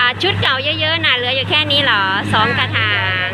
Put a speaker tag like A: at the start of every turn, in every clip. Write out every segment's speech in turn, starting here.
A: ชุดเก่าเยอะๆนะเหลืออยู่แค่นี้เหรอ2 กระถาง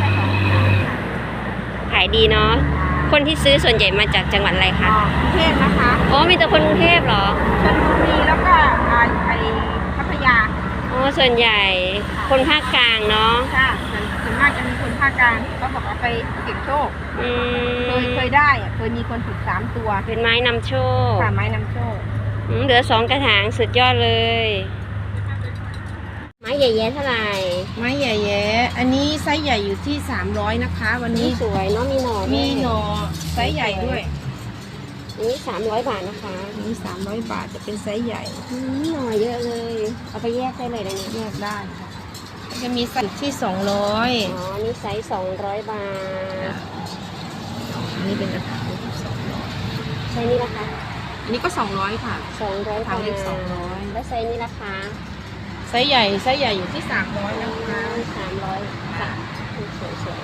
A: ขายดีเนาะคนที่ซื้อส่วนใหญ่มาจากจังหวัดอะไรคะ
B: กรุงเทพนะคะ
A: อ๋อมีแต่คนกรุงเทพเหรอ
B: ชลบุรีแล้วก็ไอพัทยา
A: อ๋อส่วนใหญ่คนภาคกลางเนาะ
B: ค่ะส่วนมากจะมีคนภาคกลางเขาบอกว่าไปเก็บโชคเคยได้เคยมีคนถูก3 ตัว
A: เป็นไม้นำโชค
B: ค่ะไม้นำโชค
A: เหลือ2 กระถางสุดยอดเลยไม้ใหญ่ๆเท่าไหร่
B: ไม้ใหญ่ๆอันนี้ไซส์ใหญ่อยู่ที่300นะคะวันนี้
A: สวยเนาะมีหน่อ
B: ไซส์ใหญ่ด้วย
A: นี่300 บาทนะคะ
B: นี่300 บาทจะเป็นไซส์ใหญ่
A: หน่อเยอะเลยเอาไปแยกได้เลยนะเนี่ย
B: แยกได้ค่ะจะมีไซส์ที่200
A: อ๋อนี่ไซส์200 บาท
B: อันนี้เป็นกระถาง200
A: ไซส์นี้ราคา
B: อันนี้ก็200ค่ะ
A: 200
B: ทางเล็ก200
A: แล้วไซส์นี้ราคา
B: ไซส์ใหญ่อยู่ที่300นะคะ
A: 300ค่ะสวย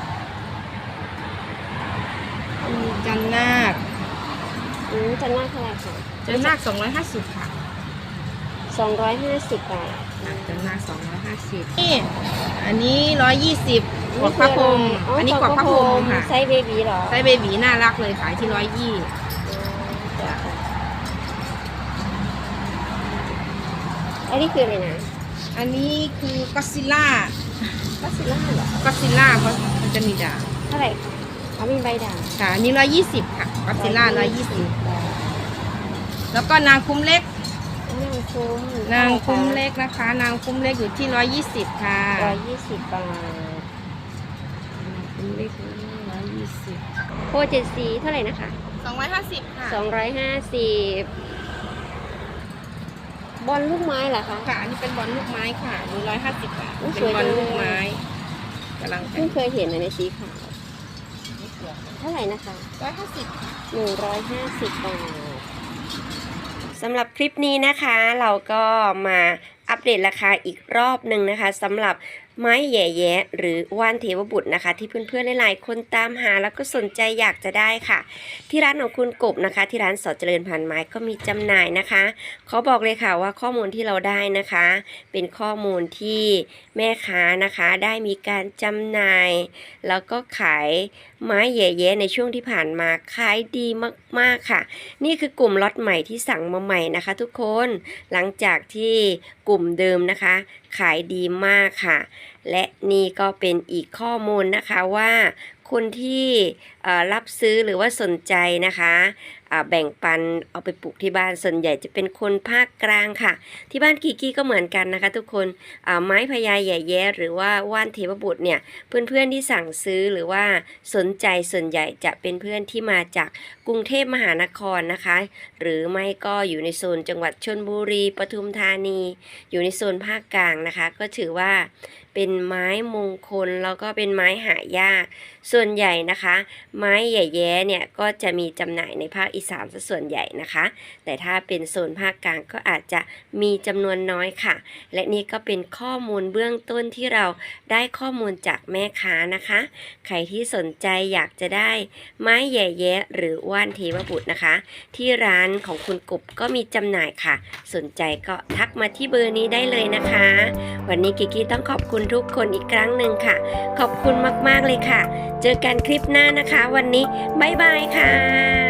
B: มีจันนาค
A: จันนาคเท่าไหร่คะ
B: จันนาค250ค่ะ
A: 250 บาท
B: จันนาค250นี่อันนี้120กวักพระพรหมอันนี้กวักพระพรหมค่ะ
A: ไซส์เบบีเหรอ
B: ไซส์เบบีน่ารักเลยขายที่120
A: อันนี้คืออะไรนะ
B: อันนี้คือก็ซิล่า
A: เหรอ
B: ก็ซิล่าเพราะมันจะมีดาว
A: เท่าไหร่คะเขามีใบด่าง
B: ค่ะอันนี้120ค่ะก็ซิล่า120แล้วก็นางคุ้มเล็กนางคุ้มเล็กนะคะนางคุ้มเล็กอยู่ที่120ค่ะ
A: 120 บาท
B: คุ้มเล็ก120
A: โคเจซีเท่าไหร่นะคะ
B: 250ค่ะ
A: 250บอลลูกไม้เหรอคะ
B: ค่ะอันนี้เป็นบอลลูกไม้ค่ะมี150 บาทเป็นบอลลูกไม้กำลัง
A: เพิ่งเคยเห็นในสีขาวเท่าไหร่นะคะ150 บาทสำหรับคลิปนี้นะคะเราก็มาอัปเดตราคาอีกรอบหนึ่งนะคะสำหรับไม้แย่แยะหรือว่านเทวบุตรนะคะที่เพื่อนๆหลายๆคนตามหาแล้วก็สนใจอยากจะได้ค่ะที่ร้านของคุณกบนะคะที่ร้านสอเจริญพันไม้ก็มีจำหน่ายนะคะเขาบอกเลยค่ะว่าข้อมูลที่เราได้นะคะเป็นข้อมูลที่แม่ค้านะคะได้มีการจำหน่ายแล้วก็ขายไม้แย่แยะในช่วงที่ผ่านมาขายดีมากๆค่ะนี่คือกลุ่มล็อตใหม่ที่สั่งมาใหม่นะคะทุกคนหลังจากที่กลุ่มเดิมนะคะขายดีมากค่ะและนี่ก็เป็นอีกข้อมูลนะคะว่าคนที่รับซื้อหรือว่าสนใจนะคะแบ่งปันเอาไปปลูกที่บ้านส่วนใหญ่จะเป็นคนภาคกลางค่ะที่บ้านกีกี้ก็เหมือนกันนะคะทุกคนไม้พญาแย่แย้หรือว่าว่านเทวบุตรเนี่ยเพื่อนๆที่สั่งซื้อหรือว่าสนใจส่วนใหญ่จะเป็นเพื่อนที่มาจากกรุงเทพมหานครนะคะหรือไม่ก็อยู่ในโซนจังหวัดชลบุรีปทุมธานีอยู่ในโซนภาคกลางนะคะก็ถือว่าเป็นไม้มงคลแล้วก็เป็นไม้หายากส่วนใหญ่นะคะไม้แย่แย้เนี่ยก็จะมีจำหน่ายในภาคอีสานซะส่วนใหญ่นะคะแต่ถ้าเป็นโซนภาคกลางก็อาจจะมีจำนวนน้อยค่ะและนี่ก็เป็นข้อมูลเบื้องต้นที่เราได้ข้อมูลจากแม่ค้านะคะใครที่สนใจอยากจะได้ไม้แย่แย้หรือว่านเทวบุตรนะคะที่ร้านของคุณกบก็มีจำหน่ายค่ะสนใจก็ทักมาที่เบอร์นี้ได้เลยนะคะวันนี้กิกกี้ต้องขอบคุณทุกคนอีกครั้งหนึ่งค่ะขอบคุณมากๆเลยค่ะเจอกันคลิปหน้านะคะวันนี้บ๊ายบายค่ะ